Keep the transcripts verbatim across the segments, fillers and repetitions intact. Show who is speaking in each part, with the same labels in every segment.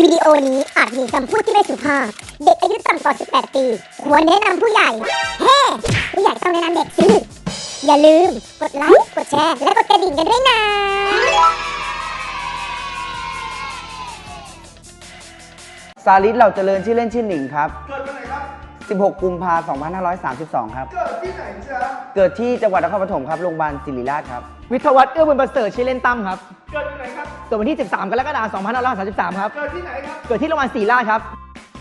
Speaker 1: วิดีโอนี้อาจมีคำพูดที่ไม่สุภาพเด็กอายุต่ำกว่าสิบแปดปีควรแนะนำผู้ใหญ่เฮ้ผู้ใหญ่ต้องแนะนำเด็กสิอย่าลืมกดไลค์กดแชร์และกดกระดิ่งกันด้วยนะ
Speaker 2: สาริตเหล่าเจริญชื่อเล่นชื่อหนิงครับ
Speaker 3: เกิดวันไหนครับ
Speaker 2: สิบหกกุมภาพันธ์สองพันห้าร้อยสามสิบสองครับ
Speaker 3: เกิดที่ไหนจ๊ะ
Speaker 2: เกิดที่จังหวัดนครปฐมครับโรงพยาบาลศิริราชครับ
Speaker 4: วิทยาวัฒน์เอื้อบุญประเสริฐชื่อเล่นตั้มครับ
Speaker 3: เกิดที่ไหนครับ
Speaker 4: เกิดวันที่สิบสามกรกฎาคมสองพันห้าร้อยสามสิบสามครับ
Speaker 3: เกิดที่ไหนครับ
Speaker 4: เกิดที่โรงพยาบาลศิริราชครับ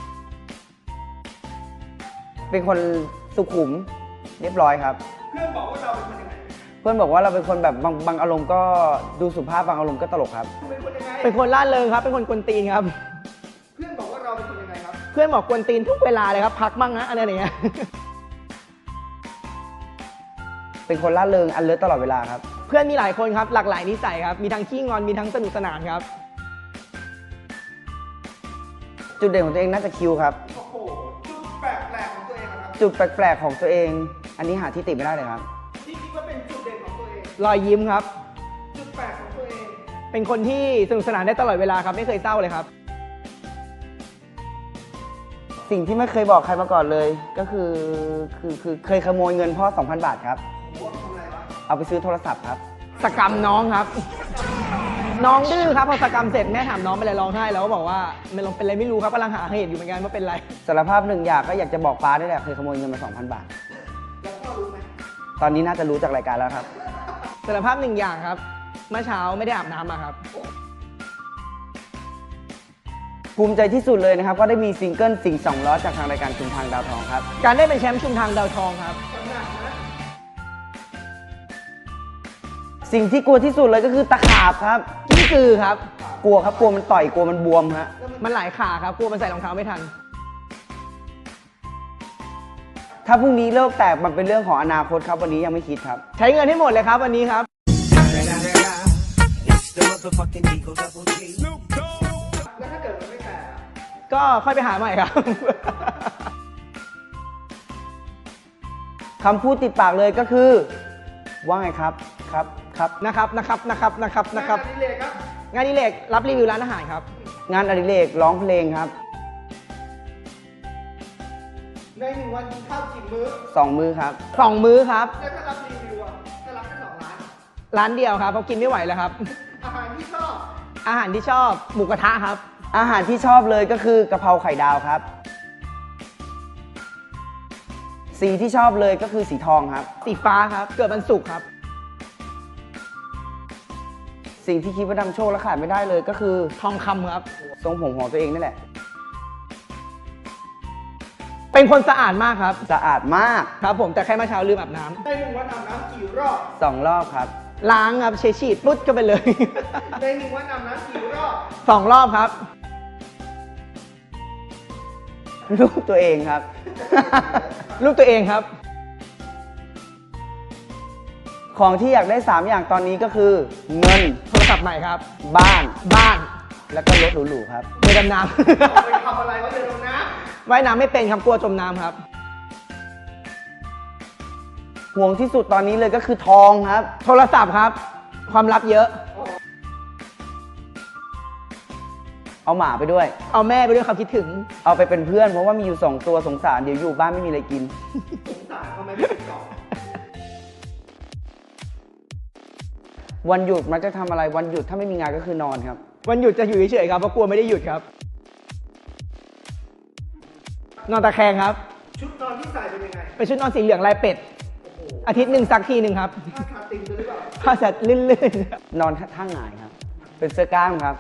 Speaker 2: เป็นคนสุขุมเรียบร้อยครับ
Speaker 3: เพื่อนบอกว่าเราเป็นคนยังไง
Speaker 2: เพื่อนบอกว่าเราเป็นคนแบบบางบางอารมณ์ก็ดูสุภาพบางอารมณ์ก็ตลกครับ
Speaker 3: เป็นคนยังไง
Speaker 4: เป็นคนล่าเริงครับเป็นคนกวนตีนครับ
Speaker 3: เพื่อนบอกว่าเราเป็นคนยังไงครับ
Speaker 4: เพื่อนบอกกวนตีนทุกเวลาเลยครับพักมั่งนะอะไรอย่างเงี้ย
Speaker 2: เป็นคนล่าเริงอันเลิศตลอดเวลาครับ
Speaker 4: เพื่อนมีหลายคนครับหลากหลายนิสัยครับมีทั้งขี้งอนมีทั้งสนุกสนานครับ
Speaker 2: จุดเด่นของตัวเองน่าจะคิวครับ
Speaker 3: โอ้โหจุดแปลกแปลกของตัวเองครับ
Speaker 2: จุดแปลกๆของตัวเองอันนี้หาที่ติไม่ได้เลยครับ
Speaker 3: ที่คิดว่าเป็นจุดเด่นของตัวเอง
Speaker 4: รอยยิ้มครับ
Speaker 3: จุดแปลกของตัวเอง
Speaker 4: เป็นคนที่สนุกสนานได้ตลอดเวลาครับไม่เคยเศร้าเลยครับ
Speaker 2: สิ่งที่ไม่เคยบอกใครมาก่อนเลยก็คือคือคือเคยขโมยเงินพ่อ สองพัน บาทครับเอาไปซื้อโทรศัพท์ครับ
Speaker 4: สกรรมน้องครับน้องดื้อครับพอสกรรมเสร็จแม่ถามน้องเป็นอะไรร้องไห้แล้วก็บอกว่ามันลงเป็นอะไรไม่รู้ครับกำลังหาเหตุอยู่เหมือนกันว่าเป็นอะไร
Speaker 2: สารภาพหนึ่งอย่างก็อยากจะบอกป้าได้แหละเคยขโมยเงินมา สองพัน บาท
Speaker 3: แล้วพ่อรู้ไหม
Speaker 2: ตอนนี้น่าจะรู้จากรายการแล้วครับ
Speaker 4: สารภาพหนึ่งอย่างครับเมื่อเช้าไม่ได้อาบน้ำมาครับ
Speaker 2: ภูมิใจที่สุดเลยนะครับก็ได้มีซิงเกิลสิ่งสองล้อจากทางรายการชุมทางดาวทองครับ
Speaker 4: การได้เป็นแชมป์ชุมทางดาวทองครับ
Speaker 2: สิ่งที่กลัวที่สุดเลยก็คือตะขาบครับ
Speaker 4: นี่คือครับ
Speaker 2: กลัวครับกลัวมันต่อยกลัวมันบวมฮะ
Speaker 4: มันหลายขาครับกลัวมันใส่รองเท้าไม่ทัน
Speaker 2: ถ้าพรุ่งนี้โลกแตกมันเป็นเรื่องของอนาคตครับวันนี้ยังไม่คิดครับ
Speaker 4: ใช้เงินให้หมดเลยครับวันนี้ครับ
Speaker 3: แล้วถ้าเกิดมันไม่แตก
Speaker 4: ก็ค่อยไปหาใหม่ครับ
Speaker 2: คำพูดติดปากเลยก็คือว่าไงครับครับครับ
Speaker 4: นะครับนะครับนะครับนะครับนะครับ
Speaker 3: งานอดิเรกครับ
Speaker 4: งานอดิเรกรับรีวิวร้านอาหารครับ
Speaker 2: งานอดิเรกร้องเพลงครับ
Speaker 3: ในหนึ่งวันกินข้าวกี่มื้อ
Speaker 2: สองมื้อครับ
Speaker 4: สองมื้อครับ
Speaker 3: แล้วถ้ารับรีวิวอ่ะจะรับแค่สองร้าน
Speaker 4: ร้านเดียวครับเพราะกินไม่ไหวแล้วครับ
Speaker 3: อาหารที่ชอบ
Speaker 4: อาหารที่ชอบหมูกระทะครับ
Speaker 2: อาหารที่ชอบเลยก็คือกะเพราไข่ดาวครับสีที่ชอบเลยก็คือสีทองครับ
Speaker 4: สีฟ้าครับเกิดวันศุกร์ครับ
Speaker 2: สิ่งที่คิดว่าทำโชคและขาดไม่ได้เลยก็คือ
Speaker 4: ทองคำครับ
Speaker 2: ทรงผมของตัวเองนั่นแหละ
Speaker 4: เป็นคนสะอาดมากครับ
Speaker 2: สะอาดมาก
Speaker 4: ครับผมแต่แค่เมื่อเช้าลืมอาบน้ำ
Speaker 3: ในหนึ่งวันอาบน้ำกี่รอบ
Speaker 2: สองรอบครับ
Speaker 4: ล้างครับเช็ดฉีดปุ๊บก็ไปเลย
Speaker 3: ในหนึ่งวันอาบน้ำกี่รอบ
Speaker 4: สองรอบครับ
Speaker 2: ลูกตัวเองครับ
Speaker 4: ลูกตัวเองครับ
Speaker 2: ของที่อยากได้สามอย่างตอนนี้ก็คือเงิน
Speaker 4: โทรศัพท์ใหม่ครับ
Speaker 2: บ้าน
Speaker 4: บ้าน
Speaker 2: แล้วก็รถหรูๆครับ
Speaker 4: เรือดำน้
Speaker 3: ำไปทำอะไรวะเรือดำน้
Speaker 4: ำว่ายน้ำไม่เป็นครับกลัวจมน้ำครับ
Speaker 2: ห่วงที่สุดตอนนี้เลยก็คือทองครับ
Speaker 4: โทรศัพท์ครับความลับเยอะ
Speaker 2: เอาหมาไปด้วย
Speaker 4: เอาแม่ไปด้วยครับคิดถึง
Speaker 2: เอาไปเป็นเพื่อนเพราะว่ามีอยู่สองตัวสงสารเดี๋ยวอยู่บ้านไม่มีอะไรกิน
Speaker 3: สงสารเขาไม่ได้ติดต่อ
Speaker 2: วันหยุดมันจะทำอะไรวันหยุดถ้าไม่มีงานก็คือนอนครับ
Speaker 4: วันหยุดจะอยู่เฉยๆครับเพราะกลัวไม่ได้หยุดครับนอนตะแคงครับ
Speaker 3: ชุดนอนที่ใส่เป็นยังไง
Speaker 4: เป็นชุดนอนสีเหลืองลายเป็ดอาทิตย์หนึ่งซักทีหนึ่งครับ
Speaker 3: ผ้าคาตินหรือเปล่า
Speaker 4: ผ้าเสร็จลื่น
Speaker 2: ๆนอนท่าหงายครับเป็นเสื้อกล้ามครับ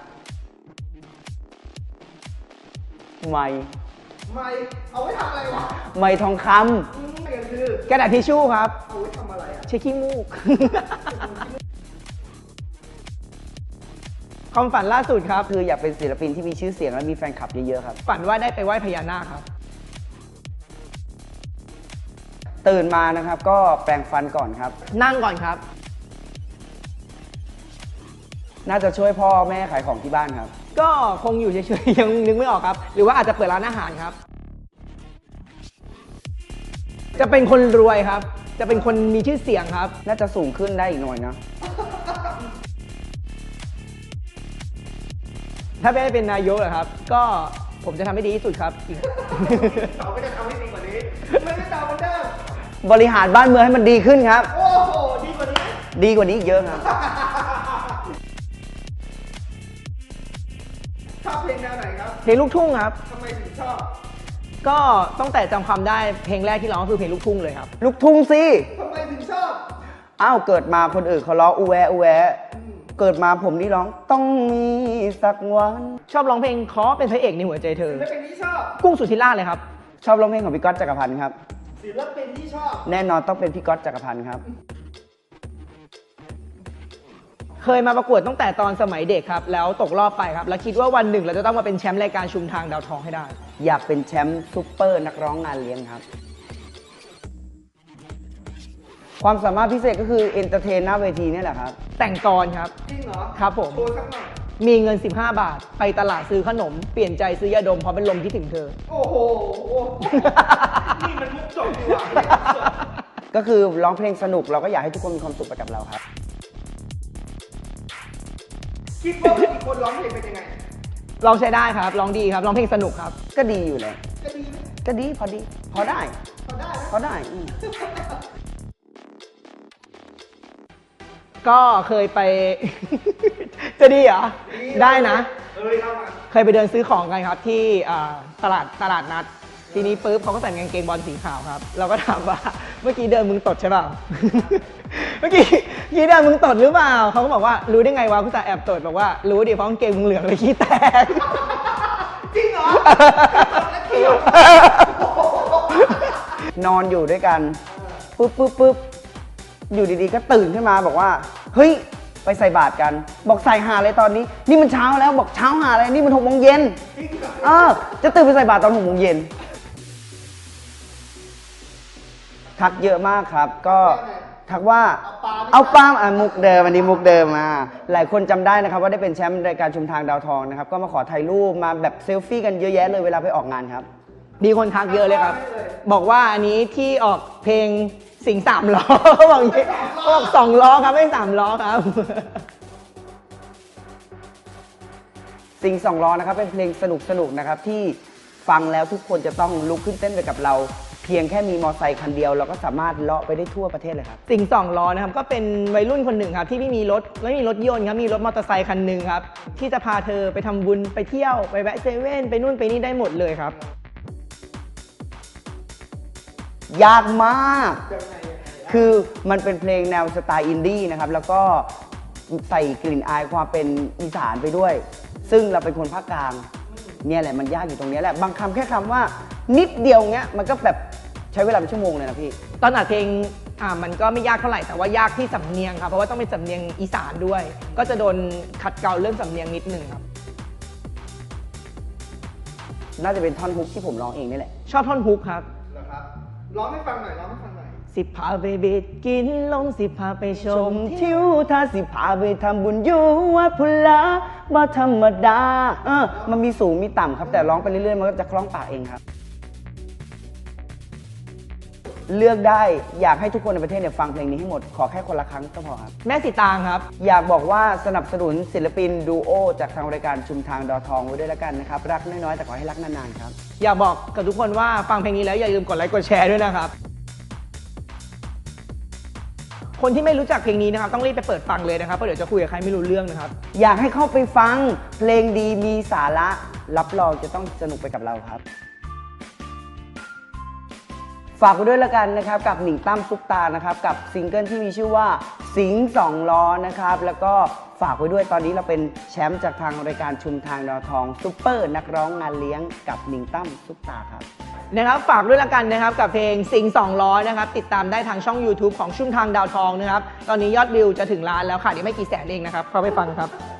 Speaker 2: ไม้
Speaker 3: ไม้เอาไว้ทำอะไรวะ
Speaker 2: ไม้ทองค
Speaker 3: ำ
Speaker 4: กระดาษทิชชู่ครับ
Speaker 3: เอาไว้ทำอะไรอ่ะ
Speaker 4: เช็ดขี้มูกความฝันล่าสุดครับ
Speaker 2: คืออยากเป็นศิลปินที่มีชื่อเสียงและมีแฟนคลับเยอะๆครับ
Speaker 4: ฝันว่าได้ไปไหว้พญานาคครับ
Speaker 2: ตื่นมานะครับก็แปรงฟันก่อนครับ
Speaker 4: นั่งก่อนครับ
Speaker 2: น่าจะช่วยพ่อแม่ขายของที่บ้านครับ
Speaker 4: ก็คงอยู่เฉยๆยังนึกไม่ออกครับหรือว่าอาจจะเปิดร้านอาหารครับจะเป็นคนรวยครับจะเป็นคนมีชื่อเสียงครับ
Speaker 2: น่าจะสูงขึ้นได้อีกหน่อยนะ
Speaker 4: ถ้าไม่ได้เป็นนายกเหรอครับ ก็ผมจะทำให้ดีที่สุดครับ
Speaker 3: เราไม่ได้ทำให้ดีกว่านี้ไม่ได้ตามเหมือนเดิม
Speaker 2: บริหารบ้านเมืองให้มันดีขึ้นครับ
Speaker 3: โอ้โหดีกว่านี้
Speaker 2: ดีกว่านี้อีกเยอะครับ
Speaker 3: ชอบเพลงแนวไหนครับ
Speaker 4: เพลงลูกทุ่งครับ
Speaker 3: ทำไมถึงชอบ
Speaker 4: ก็ตั้งแต่จำความได้เพลงแรกที่ร้องก็คือเพลงลูกทุ่งเลยครับ
Speaker 2: ลูกทุ่งสิ
Speaker 3: ทำไมถึงชอบ
Speaker 2: อ้าวเกิดมาคนอื่นเขาร้องอูแวอูแวเกิดมาผมนี่ร้องต้องมีสักวัน
Speaker 4: ชอบร้องเพลงขอเป็นพระเอกในหัวใจเธอ
Speaker 3: ศิลปินที่ชอบ
Speaker 4: กุ้งสุธิราชเลยครับ
Speaker 2: ชอบร้องเพลงของพี่ก๊อตจักรพันธ์ครับ
Speaker 3: ศิลปินที่ชอบ
Speaker 2: แน่นอนต้องเป็นพี่ก๊อตจักรพันธ์ครับ
Speaker 4: เคยมาประกวดตั้งแต่ตอนสมัยเด็กครับ แล้วตกรอบไปครับ แล้วคิดว่าวันหนึ่งเราจะต้องมาเป็นแชมป์รายการชุมทางดาวทองให้ได้
Speaker 2: อยากเป็นแชมป์ซุปเปอร์นักร้องงานเลี้ยงครับ ความสามารถพิเศษก็คือเอนเตอร์เทนหน้าเวทีนี่แหละครับ
Speaker 4: แต่งกรครับ
Speaker 3: จริงเหรอ
Speaker 4: ครับผม
Speaker 3: โชว์สักหน่อย
Speaker 4: มีเงิน สิบห้า บาท ไปตลาดซื้อขนม เปลี่ยนใจซื้อยาดมเพราะเป็นลมคิดถึงเธอ
Speaker 3: โอ้โห นี่มันมุกจบดีกว่านี่มุกจบ
Speaker 2: ก็คือร้องเพลงสนุกเราก็อยากให้ทุกคนมีความสุขไปกับเราครับ
Speaker 3: คิดว่ามีคนร้องเพลงเป็นยังไง
Speaker 4: ลองใช้ได้ครับร้องดีครับร้องเพลงสนุกครับ
Speaker 2: ก็ดีอยู่เลย
Speaker 3: จะดีไหม
Speaker 2: ก็ดีพอดี พอได้
Speaker 3: พอได้นะ
Speaker 2: พอได้อืม
Speaker 4: ก็เคยไป จะดีเหรอ ได้นะ
Speaker 3: เอ้ยเล่ามา
Speaker 4: เคยไปเดินซื้อของกันครับที่อ่าตลาดตลาดนัด ทีนี้ปุ๊บเขาก็ใส่กางเกงบอลสีขาวครับ เราก็ถามว่าเมื่อกี้เดินมึงตดใช่เปล่า เมื่อกี้เมื่อกี้เดินมึงตดหรือเปล่าเขาก็บอกว่ารู้ได้ไงวะคุณตาแอบตดบอกว่ารู้ดิเพราะกางเกงมึงเหลืองเลยขี้แตก
Speaker 3: จริงเหรอแล้วเกี่ยวน
Speaker 2: อนอยู่ด้วยกันปุ๊บปุ๊บปุ๊บอยู่ดีๆก็ตื่นขึ้นมาบอกว่าเฮ้ยไปใส่บาตรกัน บอกใส่หาเลยตอนนี้ นี่มันเช้าแล้วบอกเช้าหาเลยนี่มันหกโมงเย็น
Speaker 3: จริงเหรอ
Speaker 2: เออจะตื่นไปใส่บาตรตอนหกโมงเย็นทักเยอะมากครับ ก็ทักว่าเอาปาล์มอ่ะมุกเดิมอันนี้มุกเดิมมาหลายคนจำได้นะครับว่าได้เป็นแชมป์รายการชุมทางดาวทองนะครับก็มาขอถ่ายรูปมาแบบเซลฟี่กันเยอะแยะเลยเวลาไปออกงานครับ
Speaker 4: มีคนทักเยอะเลยครับ บอกว่าอันนี้ที่ออกเพลงสิงสามล้อ เขาบอกอย่างนี้เขาบอกสองล้อครับไม่สามล้อครับ
Speaker 2: สิงสองล้อนะครับเป็นเพลงสนุกสนุกๆนะครับที่ฟังแล้วทุกคนจะต้องลุกขึ้นเต้นไปกับเรา เพียงแค่มีมอเตอร์ไซค์คันเดียวเราก็สามารถเลาะไปได้ทั่วประเทศเลยครับ
Speaker 4: สิงสองล้อนะครับก็เป็นวัยรุ่นคนหนึ่งครับที่ไม่มีรถไม่มีรถยนต์ครับมีรถมอเตอร์ไซค์คันหนึ่งครับที่จะพาเธอไปทำบุญไปเที่ยวไปแวะเซเว่นไปนู่นไปนี่ได้หมดเลยครับ
Speaker 2: ยากมาก คือมันเป็นเพลงแนวสไตล์อินดี้นะครับ แล้วก็ใส่กลิ่นอายความเป็นอีสานไปด้วย ซึ่งเราเป็นคนภาคกลาง เนี่ยแหละมันยากอยู่ตรงนี้แหละ บางคำแค่คำว่านิดเดียวเงี้ย มันก็แบบใช้เวลาเป็นชั่วโมงเลยนะพี่
Speaker 4: ตอนอัดเพลงอ่ามันก็ไม่ยากเท่าไหร่แต่ว่ายากที่สำเนียงครับเพราะว่าต้องเป็นสำเนียงอีสานด้วย ก็จะโดนขัดเกลาเรื่องสำเนียงนิดนึงครับ
Speaker 2: น่าจะเป็นท่อนฮุกที่ผมร้องเองนี่แหละ
Speaker 4: ชอบท่อนฮุกครับ
Speaker 3: เหรอครับ ร้องให้ฟังหน่อย ร้องให้ฟังหน่อย
Speaker 4: สิพาไปบิดกินลมสิพาไปช
Speaker 2: ช
Speaker 4: ม
Speaker 2: มทิวทาสิพาไปทำบุญอยู่วัดพุลาบ่ธรรมดาเออมันมีสูงมีต่ำครับ แต่ร้องไปเรื่อยๆ มันก็จะคล้องปากเองครับ เลือกได้อยากให้ทุกคนในประเทศเนี่ยฟังเพลงนี้ให้หมด ขอแค่คนละครั้งก็พอครับ
Speaker 4: แม่สีตางครับ
Speaker 2: อยากบอกว่าสนับสนุนศิลปินดูโอจากทางรายการชุมทางดาวทองไว้ด้วยแล้วกันนะครับ รักน้อยๆแต่ขอให้รักนานๆครับ
Speaker 4: อยากบอกกับทุกคนว่าฟังเพลงนี้แล้วอย่าลืมกดไลค์กดแชร์ด้วยนะครับ คนที่ไม่รู้จักเพลงนี้นะครับต้องรีบไปเปิดฟังเลยนะครับเพราะเดี๋ยวจะคุยกับใครไม่รู้เรื่องนะครับ
Speaker 2: อยากให้เข้าไปฟังเพลงดีมีสาระรับรองจะต้องสนุกไปกับเราครับ ฝากไว้ด้วยแล้วกันนะครับกับหนิงตั้มซุปตานะครับกับซิงเกิลที่มีชื่อว่าสิงสองล้อนะครับแล้วก็ฝากไว้ด้วยตอนนี้เราเป็นแชมป์จากทางรายการชุมทางดาวทองซุปเปอร์นักร้องงานเลี้ยงกับหนิงตั้มซุปตาครับ
Speaker 4: นะครับฝากด้วยละกันนะครับกับเพลงสิงสองล้อนะครับติดตามได้ทางช่อง YouTube ของชุ่มทางดาวทองนะครับตอนนี้ยอดวิวจะถึงล้านแล้วค่ะเดี๋ยวไม่กี่แสนเองนะครับเข้าไปฟังครับ